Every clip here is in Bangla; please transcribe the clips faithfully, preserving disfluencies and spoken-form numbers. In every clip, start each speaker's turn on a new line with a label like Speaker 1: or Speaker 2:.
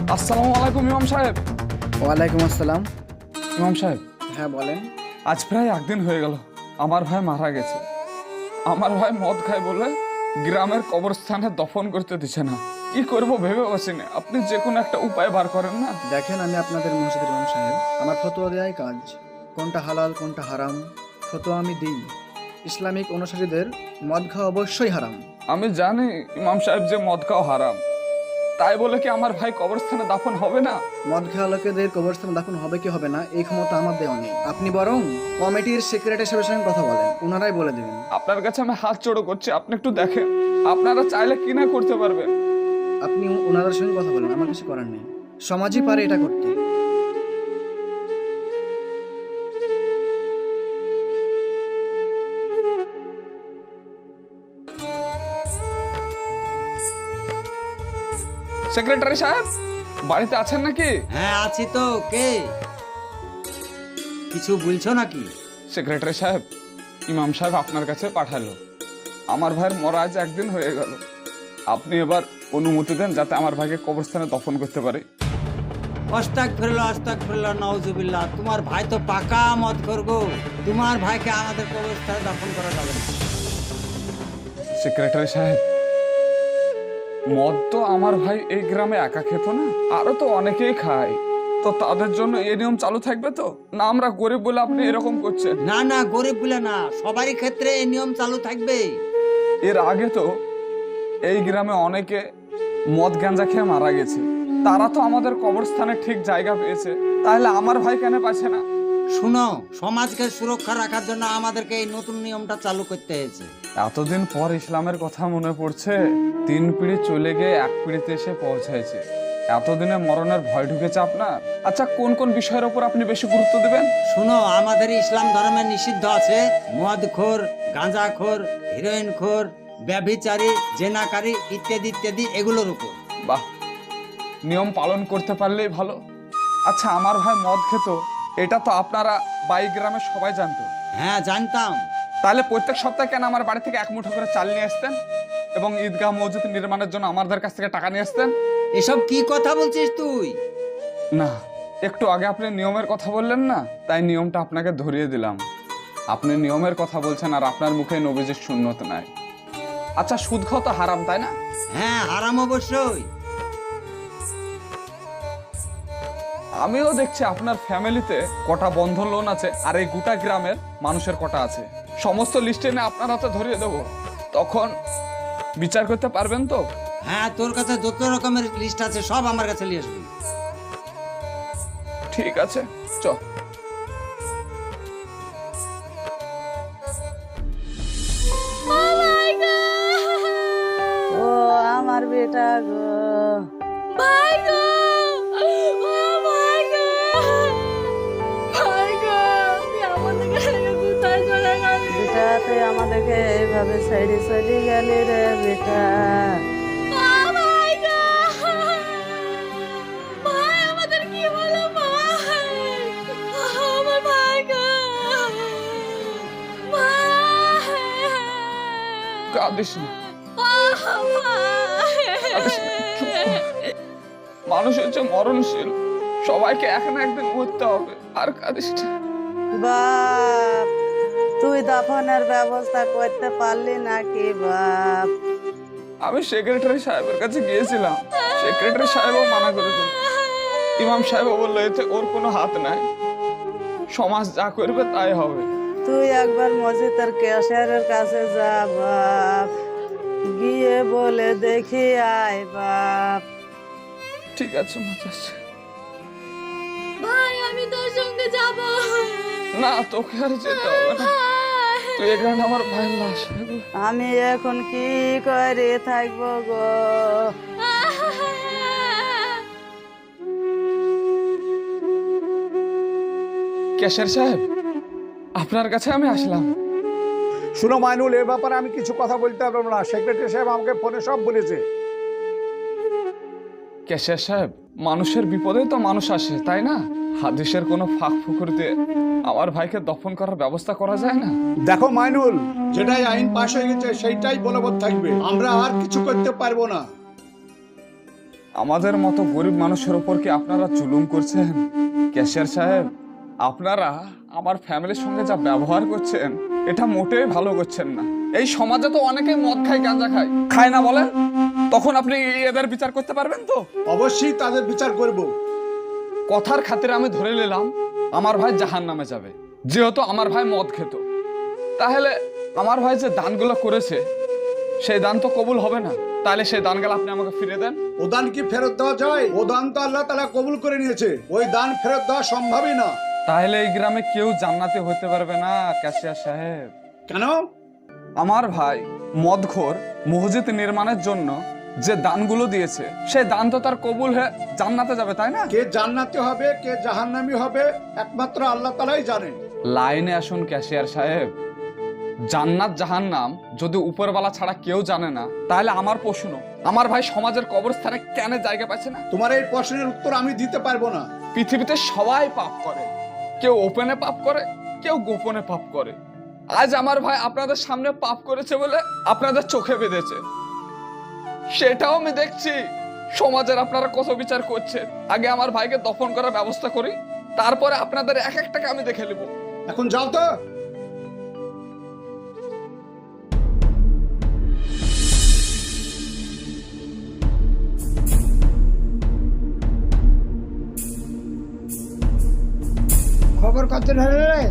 Speaker 1: আসসালামু আলাইকুম ইমাম সাহেব।
Speaker 2: ওয়ালাইকুম আসসালাম।
Speaker 1: ইমাম সাহেব,
Speaker 2: হ্যাঁ বলেন।
Speaker 1: আজ প্রায় একদিন হয়ে গেল আমার ভাই মারা গেছে। আমার ভাই মদ খায় বলে গ্রামের কবরস্থানে দফন করতে দিচ্ছে না। কি করব ভেবে বসিনি, আপনি যে কোনো একটা উপায় বার করেন না।
Speaker 2: দেখেন, আমি আপনাদের মসজিদের ইমাম সাহেব, আমার ফতোয়া দেওয়াই কাজ। কোনটা হালাল কোনটা হারাম ফতোয়া আমি দিই। ইসলামিক অনুসারীদের মদ খাওয়া অবশ্যই হারাম।
Speaker 1: আমি জানি ইমাম সাহেব যে মদ খাওয়া হারাম, তাই বলে কি আমার ভাই কবরস্থানে দাফন হবে না?
Speaker 2: মদ খাওয়া লোকেদের কবরস্থানে দাফন হবে কি হবে না এই ক্ষমতা আমার দেওয়া নেই। আপনি বরং কমিটির সেক্রেটারি সাহেবের সঙ্গে কথা বলেন, ওনারাই বলে দেবেন।
Speaker 1: আপনার কাছে আমি হাত জোড়ো করছি, আপনি একটু দেখেন, আপনারা চাইলে কি না করতে পারবেন।
Speaker 2: আপনি ওনাদের সঙ্গে কথা বলেন, আমার কিছু করার নেই। সমাজই পারে এটা করতে।
Speaker 1: সেক্রেটারি সাহেব বাড়িতে আছেন নাকি?
Speaker 3: হ্যাঁ আছি তো। কে? কিছু বলছো নাকি?
Speaker 1: সেক্রেটারি সাহেব, ইমাম সাহেব আপনার কাছে পাঠালো। আমার ভাইয়ের মরা আজ একদিন হয়ে গেল, আপনি এবার অনুমতি দেন যাতে আমার ভাইকে কবরস্থানে দফন করতে পারে।
Speaker 3: অস্তাক ফিরল অস্তাক ফিরল নওজুবিল্লাহ। তোমার ভাই তো পাকা মদ করবো, তোমার ভাইকে আমাদের কবরস্থানে দাফন করা যাবে না।
Speaker 1: সেক্রেটারি সাহেব, মদ তো আমার ভাই এই গ্রামে একা খেত না, আরো তো অনেকেই খায়। তো তাদের জন্য এই নিয়ম চালু থাকবে তো না? আমরা গরিব বলে আপনি এরকম করছেন?
Speaker 3: না না, গরিব বলে না, সবারই ক্ষেত্রে এই নিয়ম চালু থাকবে।
Speaker 1: এর আগে তো এই গ্রামে অনেকে মদ গাঁজা খেয়ে মারা গেছে, তারা তো আমাদের কবরস্থানে ঠিক জায়গা পেয়েছে, তাহলে আমার ভাই কেন পাচ্ছে না?
Speaker 3: শুনো, সমাজকে সুরক্ষা রাখার জন্য আমাদেরকে এই নতুন নিয়মটা চালু করতে হয়েছে।
Speaker 1: এতদিন পর ইসলামের কথা মনে পড়ছে। তিন পিঁড়ি চলে গিয়ে এক পিঁড়িতে এসে পৌঁছাইছে। এতদিনে মরণের ভয় ঢুকেছে আপনার। আচ্ছা, কোন কোন বিষয়ের উপর আপনি বেশি গুরুত্ব দেবেন?
Speaker 3: শুনো, আমাদের ইসলাম ধর্মে নিষিদ্ধ আছে মদখোর, গাঁজাখোর, হিরোইনখোর, ব্যভিচারী, জেনাকারী ইত্যাদি ইত্যাদি, এগুলোর উপর।
Speaker 1: বাহ, নিয়ম পালন করতে পারলেই ভালো। আচ্ছা, আমার ভাই মদ খেত, এটা তো আপনারা বাই গ্রামে সবাই জানতো।
Speaker 3: হ্যাঁ জানতাম।
Speaker 1: তাহলে প্রত্যেক সপ্তাহে কেন আমার বাড়ি থেকে এক মুঠো করে চাল নিয়ে আসতেন এবং ঈদগাহ মসজিদ নির্মাণের জন্য আমাদের কাছ থেকে টাকা নিয়ে আসতেন?
Speaker 3: এসব কি কথা বলছিস তুই?
Speaker 1: না, একটু আগে আপনি নিয়মের কথা বললেন না, তাই নিয়মটা আপনাকে ধরিয়ে দিলাম। আপনি নিয়মের কথা বলছেন আর আপনার মুখে নবীজির সুন্নত নাই। আচ্ছা, সুদ খাওয়া তো হারাম, তাই না?
Speaker 3: হ্যাঁ হারাম অবশ্যই।
Speaker 1: আমিও দেখছি আপনার ফ্যামিলিতে কটা বন্ধন লোন আছে আর এই গোটা গ্রামের মানুষের কটা আছে। সমস্ত লিস্টে এনে আপনার হাতে ধরিয়ে দেবো, তখন বিচার করতে পারবেন তো?
Speaker 3: হ্যাঁ, তোর কাছে যত রকমের লিস্ট আছে সব আমার কাছে নিয়ে আসবি।
Speaker 1: ঠিক আছে, চ।
Speaker 4: ও আমার বেটা গো,
Speaker 5: ভাই গো, ও ভাই গো, ভাই গো, তুই আমাদেরকে রেখে কোথায় চলে গেলি?
Speaker 4: বেটা তুই আমাদেরকে এইভাবে সাইডে সাইডে গেলি রে বেটা।
Speaker 5: ও ভাই গো, ভাই আমাদের কি হলো ভাই? আমার ভাই গো, ভাই,
Speaker 1: কাঁদিস না,
Speaker 5: ও ভাই।
Speaker 1: কাঁদিস না, চুপ কর। মানুষ হচ্ছে মরণশীল, সবাইকে এক না একদিন মরতে হবে, আর কাঁদিস না।
Speaker 4: বাপ, তুই দাফনের ব্যবস্থা করতে পারলি নাকি বাপ?
Speaker 1: আমি সেক্রেটারি সাহেবের কাছে গিয়েছিলাম, সেক্রেটারি সাহেবও মানা করেছেন। ইমাম সাহেবও বললো এতে ওর কোনো হাত নাই, সমাজ যা করবে তাই হবে।
Speaker 4: তুই একবার মসজিদের ক্যাশিয়ারের কাছে যা বাপ, গিয়ে বলে দেখি আয় বাপ।
Speaker 1: ঠিক আছে মাতাচ্ছি।
Speaker 5: ভাই আমি তোর সঙ্গে যাব।
Speaker 1: না, তোকে আর যেতে হবে না, তুই এখানে আমার ভাইয়ের লাশ।
Speaker 4: আমি এখন কি করে থাকবো গো?
Speaker 1: ক্যাশিয়ার সাহেব, আপনার কাছে আমি আসলাম।
Speaker 6: শুনো মাইনুল, এ ব্যাপারে আমি কিছু কথা বলতে পারবো না। সেক্রেটারি সাহেব আমাকে ফোনে সব বলেছে।
Speaker 1: ক্যাশিয়ার সাহেব, মানুষের বিপদেই তো মানুষ আসে, তাই না? হাদিসের কোনো ফাঁক ফুকুর দিয়ে আমার ভাইকে দফন করার ব্যবস্থা করা যায় না?
Speaker 6: দেখো মাইনুল, যেটাই আইন পাশ হয়ে গেছে সেইটাই বলবৎ থাকবে, আমরা আর কিছু করতে পারবো না।
Speaker 1: আমাদের মতো গরিব মানুষের উপর কি আপনারা জুলুম করছেন? ক্যাশিয়ার সাহেব, আপনারা আমার ফ্যামিলির সঙ্গে যা ব্যবহার করছেন এটা মোটেই ভালো করছেন না। এই সমাজে তো অনেকেই মদ খায়, গাঁজা খায়, খায় না বলেন? তখন আপনি এদের বিচার করতে পারবেন তো?
Speaker 6: অবশ্যই তাদের বিচার করব।
Speaker 1: কথার খাতিরে আমি ধরে নিলাম আমার ভাই জাহান্নামে যাবে, যেহেতু আমার ভাই মদ খেত। তাহলে আমার ভাই যে দানগুলো করেছে সেই দান তো কবুল হবে না। তাহলে সেই দানগুলো আপনি আমাকে ফিরে দেন।
Speaker 6: ও দান কি ফেরত দেওয়া যায়? ও দান তো আল্লাহ তাআলা কবুল করে নিয়েছে, ওই দান ফেরত দেওয়া সম্ভবই না।
Speaker 1: তাহলে এই গ্রামে কেউ জান্নাতি হতে পারবে না ক্যাশিয়ার সাহেব।
Speaker 6: কেন?
Speaker 1: আমার ভাই মদখোর মসজিদ নির্মাণের জন্য যে দানগুলো দিয়েছে সেই দান তো তার কবুল হয়ে জান্নাতে যাবে, তাই না?
Speaker 6: কে জান্নাতি হবে কে জাহান্নামী হবে একমাত্র আল্লাহ তাআলাই জানেন।
Speaker 1: লাইনে আসুন ক্যাশিয়ার সাহেব। জান্নাত জাহান্নাম যদি উপরওয়ালা ছাড়া কেউ জানে না, তাহলে আমার প্রশ্ন, আমার ভাই সমাজের কবরস্থানে কেন জায়গা পাচ্ছে না?
Speaker 6: তোমার এই প্রশ্নের উত্তর আমি দিতে পারবো না।
Speaker 1: পৃথিবীতে সবাই পাপ করে, কেউ ওপেনে পাপ করে, কেউ গোপনে পাপ করে। আজ আমার ভাই আপনাদের সামনে পাপ করেছে বলে আপনাদের চোখে বেঁধেছে, সেটাও আমি দেখছি। সমাজের আপনারা কত বিচার করছেন। আগে আমার ভাইকে দফন করার ব্যবস্থা করি, তারপরে আপনাদের এক একটাকে আমি দেখে নেব।
Speaker 6: এখন যাও তো।
Speaker 2: খবর কত হলো রে?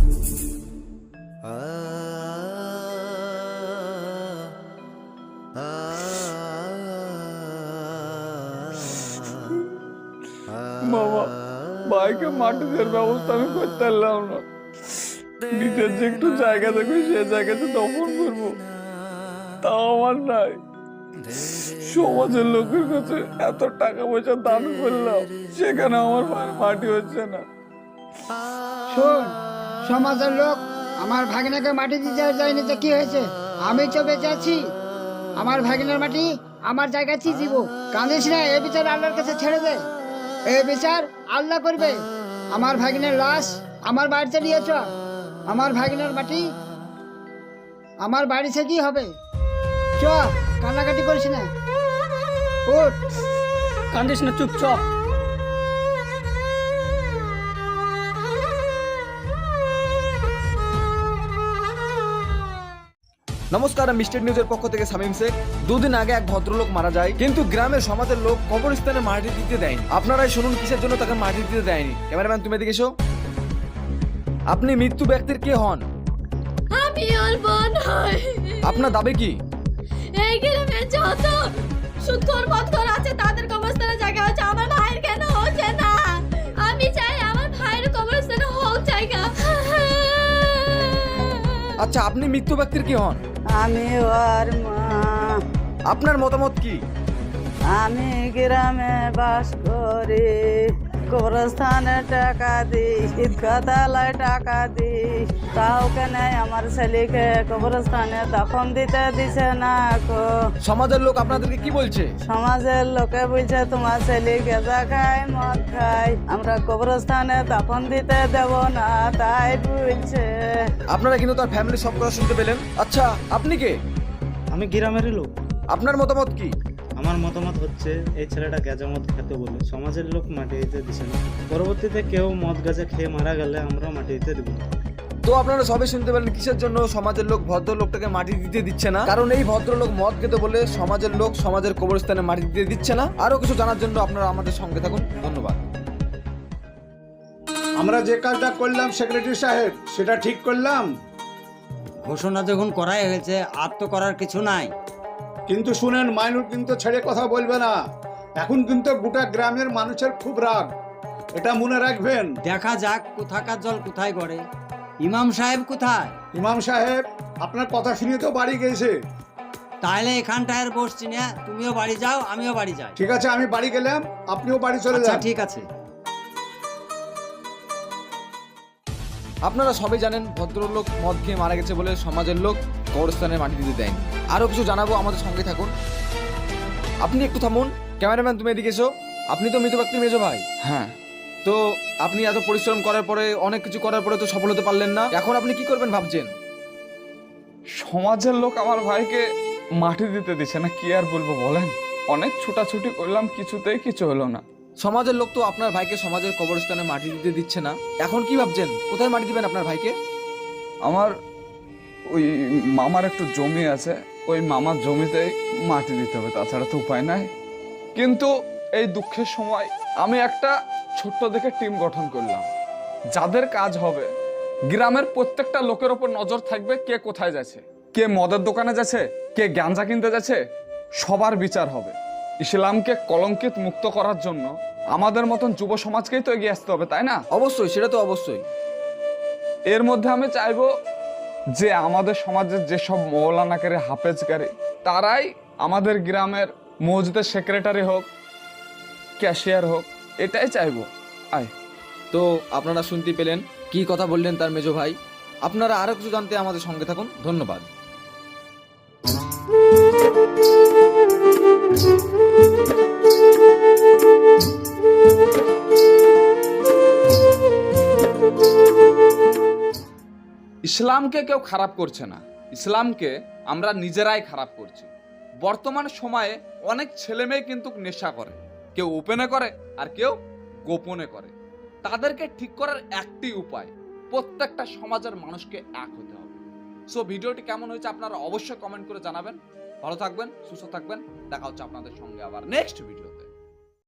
Speaker 1: বাবা, ভাইকে মাটি দেওয়ার ব্যবস্থা আমি করতে পারলাম না। নিজের যে একটু জায়গা দেখবে সে জায়গাতে দফন করবো, তাও আমার নাই। সমাজের লোকের কাছে এত টাকা পয়সা দান করলাম, সেখানে আমার ভাইয়ের মাটি হচ্ছে না।
Speaker 7: শোন, সমাজের লোক আমার ভাগিনাকে মাটি দিতে যায়নি তো কি হয়েছে? আমি তো বেঁচে আছি। আমার ভাগিনার মাটি আমার জায়গায় দিব। কাঁদিস না, এ বিচার আল্লাহর কাছে ছেড়ে দে। এ বিচার আল্লাহ করবে। আমার ভাগিনার লাশ আমার বাড়িতে নিয়ে চ। আমার ভাগিনার মাটি আমার বাড়িতে কি হবে? চ, কান্নাকাটি করিস না। উঠ, কান্দিস না, চুপ চ।
Speaker 8: নমস্কার, মিস্টার নিউজের পক্ষ থেকে সামিম শেখ। দুদিন আগে এক ভদ্রলোক মারা যায়, কিন্তু গ্রামের সমাজের লোক কবরস্থানে মাটি দিতে দেয়নি। আপনারাই শুনুন কিসের জন্য তাকে মাটি দিতে দেয়নি। ক্যামেরাম্যান, তুমি এদিকে এসো। আপনি মৃত্যু ব্যক্তির কে হন?
Speaker 5: আমি ওর বোন হই।
Speaker 8: আপনার দাবি কি?
Speaker 5: এই গ্রামে যত সুদখোর মদখোর আছে তাদের কবরস্থানে জায়গা হচ্ছে, আমার ভাইয়ের কেন হচ্ছে না? আমি চাই আমার ভাইয়ের কবরস্থানে হোক জায়গা।
Speaker 8: আচ্ছা, আপনি মৃত্যু ব্যক্তির কি হন?
Speaker 4: আমি ওর মা।
Speaker 8: আপনার মতামত কি?
Speaker 4: আমি গ্রামে বাস করি, কবরস্থানে টাকা দিই, ঈদগাতালায় টাকা দিই, তাও কেন আমার ছেলেকে কবরস্থানে দফন দিতে দিছে না গো।
Speaker 8: সমাজের লোক আপনাদেরকে কি বলছে?
Speaker 4: সমাজের লোকে বলছে তোমার ছেলে গেঁজা খায়, মদ খায়, আমরা কবরস্থানে দফন দিতে দেব না, তাই বলছে।
Speaker 8: আপনারা কিন্তু তার ফ্যামিলি সব কথা শুনতে পেলেন। আচ্ছা, আপনি কে?
Speaker 9: আমি গ্রামেরই লোক।
Speaker 8: আপনার মতামত কি?
Speaker 9: আমার মতামত হচ্ছে এই ছেলেটা গাঁজা মদ খেতে বলে সমাজের লোক মাটি দিতে দিছে না। পরবর্তীতে কেউ মদ গাঁজা খেয়ে মারা গেলে আমরা মাটি দিতে দেবো।
Speaker 8: তো আপনারা সবাই শুনতে পেলেন কিসের জন্য সমাজের লোক ভদ্রলোকটাকে মাটি দিতে দিচ্ছে না। কারণ এই ভদ্রলোক মদ খেতে বলে সমাজের লোক সমাজের কবরস্থানে মাটি দিতে দিচ্ছে না। আরো কিছু জানার জন্য আপনারা আমাদের সঙ্গে থাকুন। ধন্যবাদ।
Speaker 6: আমরা যে কাজটা করলাম সেক্রেটারি সাহেব, সেটা ঠিক করলাম।
Speaker 3: ঘোষণা যখন করাই হয়েছে, আর তো করার কিছু নাই।
Speaker 6: কিন্তু শুনেন, মাইনুর কিন্তু ছেড়ে কথা বলবে না। এখন কিন্তু গোটা গ্রামের মানুষের খুব রাগ, এটা মনে রাখবেন।
Speaker 3: দেখা যাক কোথাকার জল কোথায় গড়ে। ইমাম সাহেব কোথায়?
Speaker 6: ইমাম সাহেব আপনার কথা শুনে তো বাড়ি গেছে।
Speaker 3: তাহলে এখানটায় বসছি না, তুমিও বাড়ি যাও, আমিও বাড়ি যাই।
Speaker 6: ঠিক আছে, আমি বাড়ি গেলাম, আপনিও বাড়ি চলে
Speaker 3: আচ্ছা,
Speaker 6: যান।
Speaker 3: ঠিক আছে।
Speaker 8: আপনারা সবাই জানেন ভদ্রলোক মদ খেয়ে মারা গেছে বলে সমাজের লোক কবরস্থানে মাটি দিতে দেয়নি। আরো কিছু জানাবো, আমাদের সঙ্গে থাকুন। আপনি একটু থামুন। ক্যামেরাম্যান, তুমি এদিকে এসো। আপনি তো মৃত ব্যক্তির মেজো ভাই।
Speaker 1: হ্যাঁ,
Speaker 8: তো আপনি এত পরিশ্রম করার পরে, অনেক কিছু করার পরে তো সফল হতে পারলেন না। এখন আপনি কি করবেন ভাবছেন?
Speaker 1: সমাজের লোক আমার ভাইকে মাটি দিতে দিচ্ছে না, কি আর বলবো বলেন। অনেক ছুটাছুটি করলাম, কিছুতেই কিছু হলো না।
Speaker 8: সমাজের লোক তো আপনার ভাইকে সমাজের কবরস্থানে মাটি দিতে দিচ্ছে না, এখন কি ভাবছেন কোথায় মাটি দিবেন আপনার ভাইকে?
Speaker 1: আমার ওই মামার একটু জমি আছে, ওই মামার জমিতেই মাটি দিতে হবে, তাছাড়া তো উপায় নাই। কিন্তু এই দুঃখের সময় আমি একটা ছোট্ট দেখে টিম গঠন করলাম, যাদের কাজ হবে গ্রামের প্রত্যেকটা লোকের ওপর নজর থাকবে, কে কোথায় যাচ্ছে, কে মদের দোকানে যাচ্ছে, কে গাঁজা কিনতে যাচ্ছে, সবার বিচার হবে। ইসলামকে কলঙ্কিত মুক্ত করার জন্য আমাদের মতন যুব সমাজকেই তো এগিয়ে আসতে হবে, তাই না?
Speaker 8: অবশ্যই, সেটা তো অবশ্যই।
Speaker 1: এর মধ্যে আমি চাইবো যে আমাদের সমাজের যেসব মৌলানাকারী হাফেজকারী তারাই আমাদের গ্রামের মসজিদের সেক্রেটারি হোক, ক্যাশিয়ার হোক, এটাই চাইবো। আয়
Speaker 8: তো আপনারা শুনতে পেলেন কি কথা বললেন তার মেজো ভাই। আপনারা আরো কিছু জানতে আমাদের সঙ্গে থাকুন। ধন্যবাদ।
Speaker 1: ইসলামকে কেউ খারাপ করছে না, ইসলামকে আমরা নিজেরাই খারাপ করছি। বর্তমান সময়ে অনেক ছেলে মেয়ে কিন্তু নেশা করে, কেউ ওপেনে করে আর কেউ গোপনে করে। তাদেরকে ঠিক করার একটি উপায়, প্রত্যেকটা সমাজের মানুষকে এক হতে হবে। সো ভিডিওটি কেমন হয়েছে আপনারা অবশ্যই কমেন্ট করে জানাবেন। ভালো থাকবেন, সুস্থ থাকবেন, দেখা হচ্ছে আপনাদের সঙ্গে আবার নেক্সট ভিডিওতে।